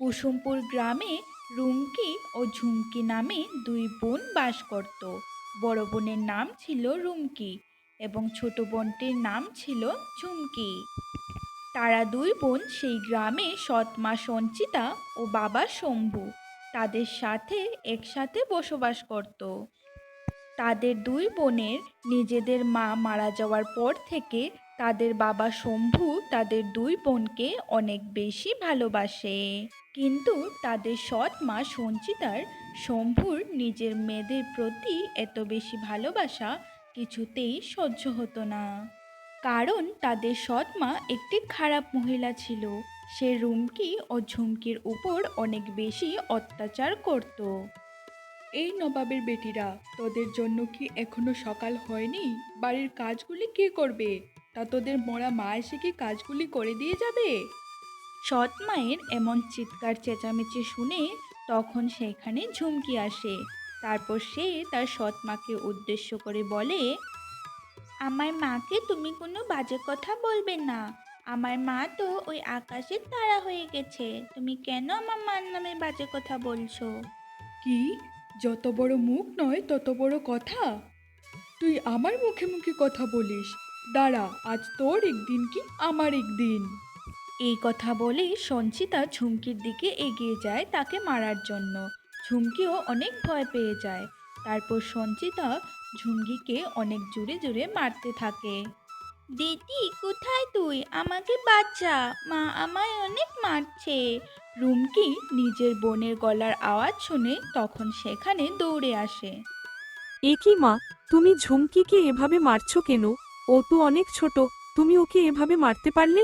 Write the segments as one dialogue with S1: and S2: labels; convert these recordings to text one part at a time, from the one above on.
S1: কুসুমপুর গ্রামে রুমকি ও ঝুমকি নামে দুই বোন বাস করত। বড় বোনের নাম ছিল রুমকি এবং ছোট বোনটির নাম ছিল ঝুমকি। তারা দুই বোন সেই গ্রামে সৎ মা সঞ্চিতা ও বাবা শম্ভু তাদের সাথে একসাথে বসবাস করত। তাদের দুই বোনের নিজেদের মা মারা যাওয়ার পর থেকে তাদের বাবা শম্ভু তাদের দুই বোনকে অনেক বেশি ভালোবাসে। কিন্তু তাদের সৎ মা সঞ্চিতার শম্ভুর নিজের মেয়েদের প্রতি এত বেশি ভালোবাসা কিছুতেই সহ্য হতো না। কারণ তাদের সৎ মা একটি খারাপ মহিলা ছিল। সে রুমকি ও ঝুমকির উপর অনেক বেশি অত্যাচার করত।
S2: এই নবাবের বেটিরা, তোদের জন্য কি এখনো সকাল হয়নি? বাড়ির কাজগুলি কে করবে? তা তোদের মরা মা এসে কি কাজগুলি করে দিয়ে যাবে?
S1: সৎ মায়ের এমন চিৎকার চেঁচামেচি শুনে তখন সেখানে ঝুমকি আসে। তারপর সে তার সৎ মাকে উদ্দেশ্য করে বলে, আমার মাকে তুমি কোনো বাজে কথা বলবে না। আমার মা তো ওই আকাশের তারা হয়ে গেছে। তুমি কেন আমার মার নামে বাজে কথা বলছো?
S2: কি? যত বড় মুখ নয় তত বড় কথা? তুই আমার মুখে মুখে কথা বলিস? দাঁড়া, আজ তোর একদিন কি আমার একদিন।
S1: এই কথা বলেই সঞ্চিতা ঝুমকির দিকে এগিয়ে যায় তাকে মারার জন্য। ঝুমকিও অনেক ভয় পেয়ে যায়। তারপর সঞ্চিতা ঝুমকিকে অনেক জোরে জোরে মারতে থাকে। দিদি, কোথায় তুই? আমাকে বাঁচা, মা আমায় অনেক মারছে। রুমকি নিজের বোনের গলার আওয়াজ শুনে তখন সেখানে দৌড়ে আসে।
S3: এ কি মা, তুমি ঝুমকিকে এভাবে মারছো কেন? ও তো অনেক ছোট, তুমি ওকে এভাবে মারতে পারলে?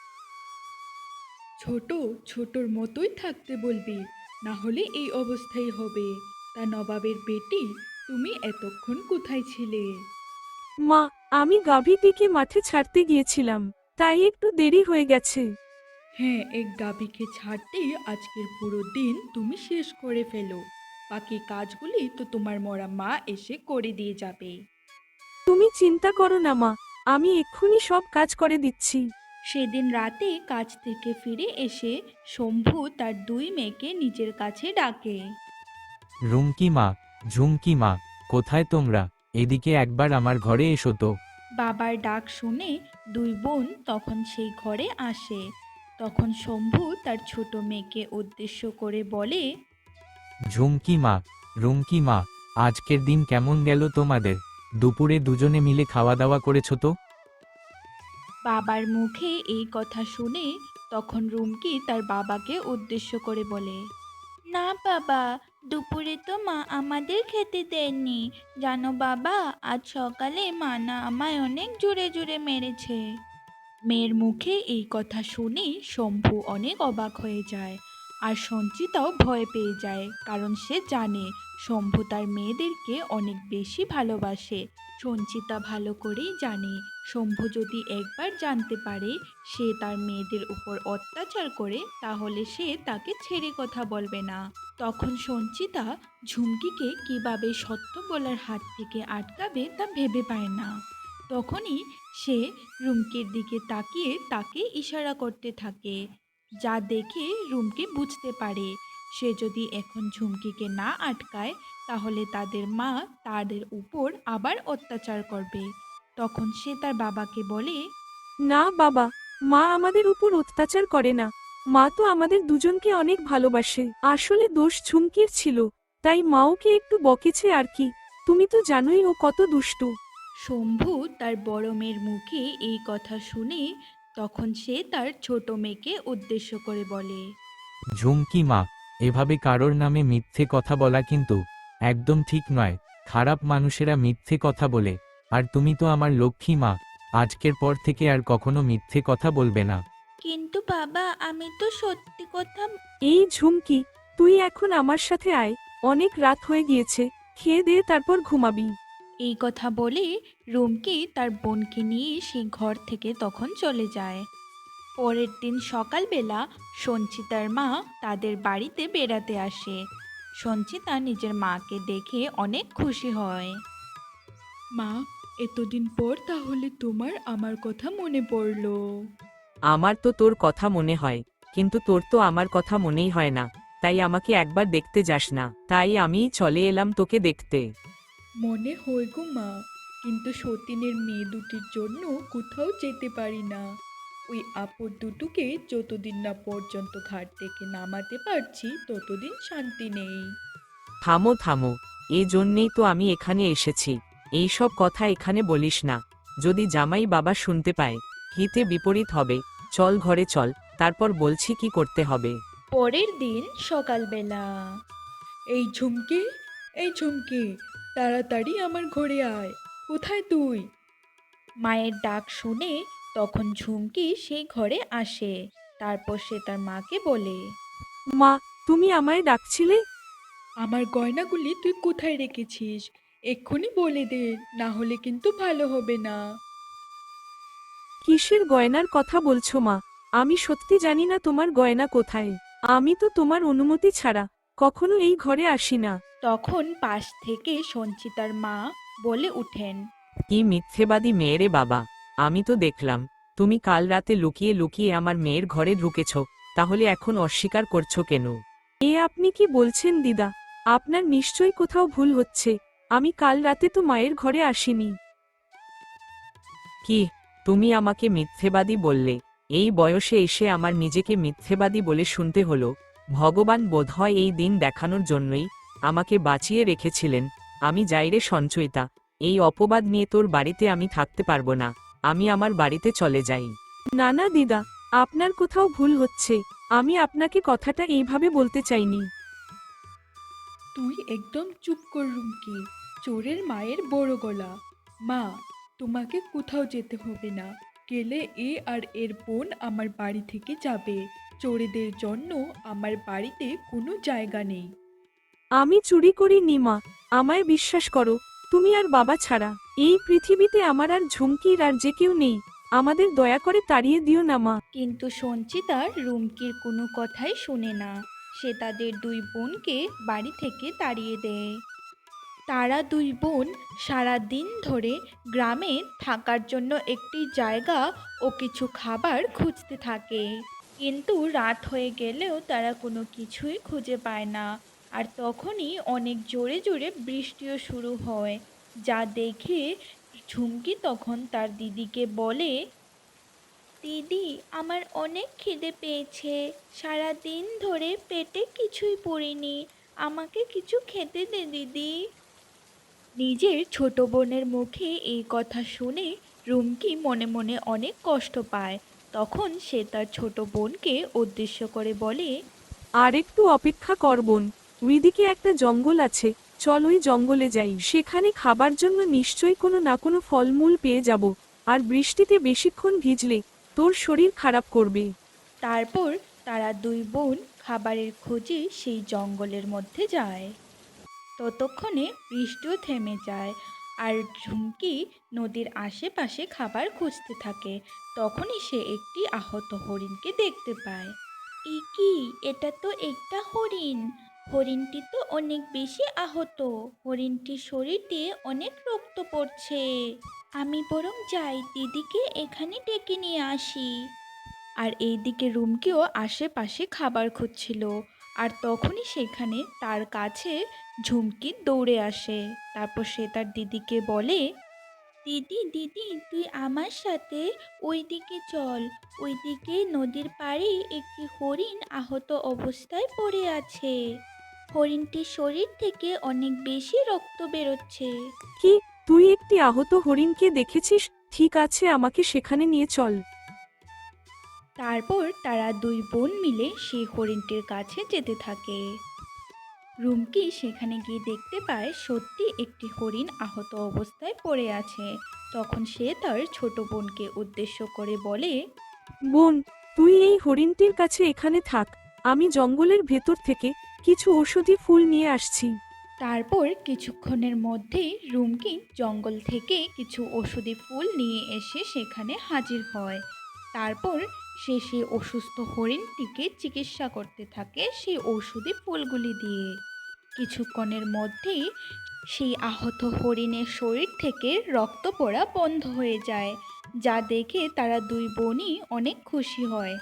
S2: ছোট, ছোটর মতোই থাকতে বলবি, না হলে এই অবস্থাই হবে। তা নবাবের বেটি, তুমি এতক্ষণ কোথায় ছিলে?
S3: মা, আমি গাভীটিকে মাঠে ছাড়তে গিয়েছিলাম, তাই একটু দেরি হয়ে গেছে।
S2: হ্যাঁ, এক গাভীকে ছাড়তেই আজকের পুরো দিন তুমি শেষ করে ফেলো। বাকি কাজগুলি তো তোমার মরা মা এসে করে দিয়ে যাবে।
S3: তুমি চিন্তা করো না মা, আমি এক্ষুনি সব কাজ করে দিচ্ছি।
S1: সেদিন রাতে কাজ থেকে ফিরে এসে শম্ভু তার দুই মেয়েকে নিজের কাছে ডাকে।
S4: রুমকি মা, ঝুমকি মা, কোথায় তোমরা? এদিকে একবার আমার ঘরে এসো তো।
S1: বাবার ডাক শুনে দুই বোন তখন সেই ঘরে আসে। তখন শম্ভু তার ছোট মেয়েকে উদ্দেশ্য করে বলে,
S4: ঝুমকি মা, রুমকি মা, আজকের দিন কেমন গেল তোমাদের? দুপুরে দুজনে মিলে খাওয়া দাওয়া করেছো তো?
S1: বাবার মুখে এই কথা শুনে তখন রুমকি তার বাবাকে উদ্দেশ্য করে বলে, না বাবা, দুপুরে তো মা আমাদের খেতে দেননি। জানো বাবা, আজ সকালে মা না আমায় অনেক জোরে জোরে মেরেছে। মেয়ের মুখে এই কথা শুনে শম্ভু অনেক অবাক হয়ে যায়। আর সঞ্চিতাও ভয় পেয়ে যায়, কারণ সে জানে শম্ভু তার মেয়েদেরকে অনেক বেশি ভালোবাসে। সঞ্চিতা ভালো করেই জানে শম্ভু যদি একবার জানতে পারে সে তার মেয়েদের উপর অত্যাচার করে, তাহলে সে তাকে ছেড়ে কথা বলবে না। তখন সঞ্চিতা ঝুমকিকে কিভাবে সত্য বলার হাত থেকে আটকাবে তা ভেবে পায় না। তখনই সে রুমকির দিকে তাকিয়ে তাকে ইশারা করতে থাকে, যা দেখে রুমকি বুঝতে পারে সে যদি এখন ঝুমকিকে না আটকায় তাহলে তাদের মা তাদের উপর আবার অত্যাচার করবে। তখন সে তার বাবাকে বলে,
S3: না বাবা, মা আমাদের উপর অত্যাচার করে না। মা তো আমাদের দুজনকে অনেক ভালোবাসে। আসলে দোষ ঝুমকির ছিল, তাই মা ওকে একটু বকেছে আর কি। তুমি তো জানোই ও কত দুষ্টু।
S1: শম্ভু তার বড় মেয়ের মুখে এই কথা শুনে তখন সে তার ছোট মেয়েকে উদ্দেশ্য করে বলে,
S4: ঝুমকি মা, এভাবে কারোর নামে মিথ্যে কথা বলা কিন্তু একদম ঠিক নয়। খারাপ মানুষেরা মিথ্যে কথা বলে। আর তুমি তো আমার লক্ষ্মী মা, আজকের পর থেকে আর কখনো মিথ্যে কথা বলবে না।
S1: কিন্তু বাবা, আমি তো সত্যি কথা।
S3: এই ঝুমকি, তুই এখন আমার সাথে আয়, অনেক রাত হয়ে গিয়েছে, খেয়ে দে তারপর ঘুমাবি।
S1: এই কথা বলে রুমকি তার বোনকে নিয়ে সেই ঘর থেকে তখন চলে যায়। পরের দিন সকালবেলা সঞ্চিতার মা তাদের বাড়িতে বেড়াতে আসে। সঞ্চিতা নিজের মাকে দেখে অনেক খুশি হয়।
S2: মা, এতদিন পর তাহলে তোমার আমার কথা মনে পড়লো।
S5: আমার তো তোর কথা মনে হয়,
S3: কিন্তু তোর তো আমার কথা মনেই হয় না, তাই আমাকে একবার দেখতে যাস না, তাই আমি চলে এলাম তোকে দেখতে।
S2: মনে হয় গো মা, কিন্তু সতীনের মেয়ে দুটির জন্য কোথাও যেতে পারি না। ওই আপদ দুটোকে যতদিন না পর্যন্ত ঘাট থেকে নামাতে পারছি ততদিন শান্তি নেই।
S3: থামো থামো, এই জন্যেই তো আমি এখানে এসেছি। এইসব কথা এখানে বলিস না, যদি জামাই বাবা শুনতে পায় হিতে বিপরীত হবে। চল ঘরে চল, তারপর বলছি কি করতে হবে।
S1: পরের দিন সকালবেলা।
S2: এই ঝুমকে, এই ঝুমকে, তাড়াতাড়ি আমার ঘরে আয়। কোথায় তুই?
S1: মায়ের ডাক শুনে তখন ঝুমকি সেই ঘরে আসে। তারপর সে তার মাকে বলে,
S3: মা, তুমি আমায় ডাকছিলে?
S2: আমার গয়নাগুলি তুই কোথায় রেখেছিস? এক্ষুনি বলে দে, না হলে কিন্তু ভালো হবে না।
S3: কিসের গয়নার কথা বলছো মা? আমি সত্যি জানি না তোমার গয়না কোথায়। আমি তো তোমার অনুমতি ছাড়া কখনো এই ঘরে আসি না।
S1: তখন পাশ থেকে সঞ্চিতার মা বলে উঠেন,
S3: কি মিথ্যেবাদী মেয়েরে বাবা! আমি তো দেখলাম তুমি কাল রাতে লুকিয়ে লুকিয়ে আমার মেয়ের ঘরে ঢুকেছ, তাহলে এখন অস্বীকার করছো কেন? এ আপনি কি বলছেন দিদা? আপনার নিশ্চয়ই কোথাও ভুল হচ্ছে। আমি কাল রাতে তো মায়ের ঘরে আসিনি। কি, তুমি আমাকে মিথ্যেবাদী বললে? এই বয়সে এসে আমার নিজেকে মিথ্যেবাদী বলে শুনতে হলো। ভগবান বোধহয় এই দিন দেখানোর জন্যই আমাকে বাঁচিয়ে রেখেছিলেন। আমি যাই রে সঞ্চয়িতা, এই অপবাদ নিয়ে তোর বাড়িতে আমি থাকতে পারবো না। আমি আমার বাড়িতে চলে যাই। না না দিদা, আপনার কোথাও ভুল হচ্ছে। আমি আপনাকে কথাটা এইভাবে বলতে চাইনি।
S2: তুই একদম চুপ কর রুমকি, চোরের মায়ের বড় গলা। মা, তোমাকে কোথাও যেতে হবে না। গেলে এ আর এর বোন আমার বাড়ি থেকে যাবে। চোরেদের জন্য আমার বাড়িতে কোনো জায়গা নেই।
S3: আমি চুরি করিনি মা, আমায় বিশ্বাস করো। তুমি আর বাবা ছাড়া এই পৃথিবীতে আমার আর ঝুমকির আর যে কেউ নেই। আমাদের দয়া করে তাড়িয়ে দিও না মা।
S1: কিন্তু সঞ্চিতা রুমকির কোনো কথাই শোনে না। সে তাদের দুই বোনকে বাড়ি থেকে তাড়িয়ে দেয়। তারা দুই বোন সারা দিন ধরে গ্রামে থাকার জন্য একটি জায়গা ও কিছু খাবার খুঁজতে থাকে, কিন্তু রাত হয়ে গেলেও তারা কোনো কিছুই খুঁজে পায় না। আর তখনই অনেক জোরে জোরে বৃষ্টিও শুরু হয়, যা দেখে ঝুমকি তখন তার দিদিকে বলে, দিদি, আমার অনেক খিদে পেয়েছে, সারা দিন ধরে পেটে কিছুই পড়েনি, আমাকে কিছু খেতে দে দিদি। নিজের ছোট বোনের মুখে এই কথা শুনে রুমকি মনে মনে অনেক কষ্ট পায়। তখন সে তার ছোট বোনকে উদ্দেশ্য করে বলে,
S3: আর একটু অপেক্ষা কর বোন, ওইদিকে একটা জঙ্গল আছে, চল ওই জঙ্গলে যাই। সেখানে খাবার জন্য নিশ্চয়ই কোনো না কোনো ফলমূল পেয়ে যাব। আর বৃষ্টিতে বেশিক্ষণ ভিজলে তোর শরীর খারাপ করবে।
S1: তারপর তারা দুই বোন খাবারের খোঁজে সেই জঙ্গলের মধ্যে যায়। ততক্ষণে বৃষ্টিও থেমে যায় আর ঝুমকি নদীর আশেপাশে খাবার খুঁজতে থাকে। তখনই সে একটি আহত হরিণকে দেখতে পায়। এ কি, এটা তো একটা হরিণ! হরিণটি তো অনেক বেশি আহত। হরিণটির শরীর দিয়ে অনেক রক্ত পড়ছে। আমি বরং যাই, দিদিকে এখানে ডেকে নিয়ে আসি। আর এইদিকে রুমকিও আশেপাশে খাবার খুঁজছিল। আর তখনই সেখানে তার কাছে ঝুমকি দৌড়ে আসে। তারপর সে তার দিদিকে বলে, দিদি দিদি, তুই আমার সাথে ওইদিকে চল। ওইদিকে নদীর পাড়ে একটি হরিণ আহত অবস্থায় পড়ে আছে। হরিণটির শরীর থেকে অনেক বেশি রক্ত বেরোচ্ছে।
S3: কি, তুই একটি আহত হরিণকে দেখেছিস? ঠিক আছে, আমাকে সেখানে নিয়ে চল।
S1: তারপর তারা দুই বোন মিলে সেই হরিণটির কাছে যেতে থাকে। রুমকি সেখানে গিয়ে দেখতে পায় সত্যি একটি হরিণ আহত অবস্থায় পড়ে আছে। তখন সে তার ছোট বোনকে উদ্দেশ্য করে বলে,
S3: বোন, তুই এই হরিণটির কাছে এখানে থাক। আমি জঙ্গলের ভেতর থেকে কিছু ঔষধি ফুল নিয়ে আসছি।
S1: তারপর কিছুক্ষণের মধ্যেই রুমকি জঙ্গল থেকে কিছু ওষুধি ফুল নিয়ে এসে সেখানে হাজির হয়। তারপর সে সেই অসুস্থ হরিণটিকে চিকিৎসা করতে থাকে সেই ঔষধি ফুলগুলি দিয়ে। কিছুক্ষণের মধ্যেই সেই আহত হরিণের শরীর থেকে রক্ত পড়া বন্ধ হয়ে যায়, যা দেখে তারা দুই বোনই অনেক খুশি হয়।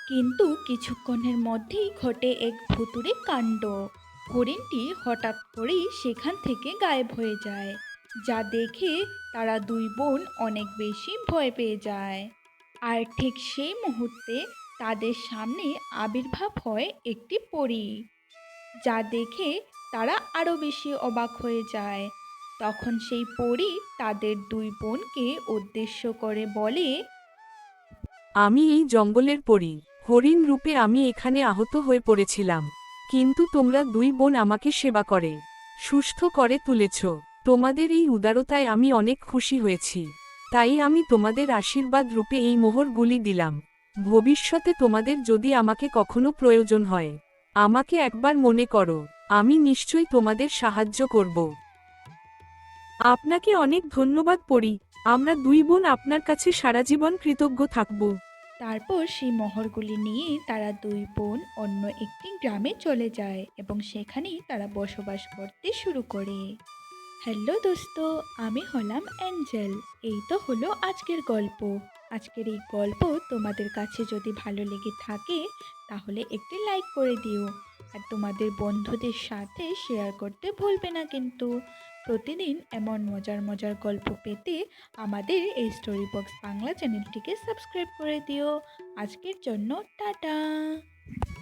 S1: কিন্তু কিছুক্ষণের মধ্যেই ঘটে এক ভুতুড়ে কাণ্ড। হরিণটি হঠাৎ করেই সেখান থেকে গায়েব হয়ে যায়, যা দেখে তারা দুই বোন অনেক বেশি ভয় পেয়ে যায়। আর ঠিক সেই মুহূর্তে তাদের সামনে আবির্ভাব হয় একটি পরী, যা দেখে তারা আরো বেশি অবাক হয়ে যায়। তখন সেই পরী তাদের দুই বোনকে উদ্দেশ্য করে বলে,
S3: আমি এই জঙ্গলের পরী, হরিণ রূপে আমি এখানে আহত হয়ে পড়েছিলাম, কিন্তু তোমরা দুই বোন আমাকে সেবা করে সুস্থ করে তুলেছ। তোমাদের এই উদারতায় আমি অনেক খুশি হয়েছি, তাই আমি তোমাদের আশীর্বাদ রূপে এই মোহরগুলি দিলাম। ভবিষ্যতে তোমাদের যদি আমাকে কখনো প্রয়োজন হয়, আমাকে একবার মনে করো, আমি নিশ্চয়ই তোমাদের সাহায্য করব। আপনাকে অনেক ধন্যবাদ পরী, আমরা দুই বোন আপনার কাছে সারা জীবন কৃতজ্ঞ থাকব।
S1: তারপর সেই মোহরগুলি নিয়ে তারা দুই বোন অন্য একটি গ্রামে চলে যায় এবং সেখানেই তারা বসবাস করতে শুরু করে। হ্যালো দোস্ত, আমি হলাম অ্যাঞ্জেল। এই তো হলো আজকের গল্প। আজকের এই গল্প তোমাদের কাছে যদি ভালো লেগে থাকে তাহলে একটি লাইক করে দিও, আর তোমাদের বন্ধুদের সাথে শেয়ার করতে ভুলবে না কিন্তু। প্রতিদিন এমন মজার মজার গল্প পেতে আমাদের এই স্টোরি বক্স বাংলা চ্যানেলটিকে সাবস্ক্রাইব করে দিও। আজকের জন্য টাটা।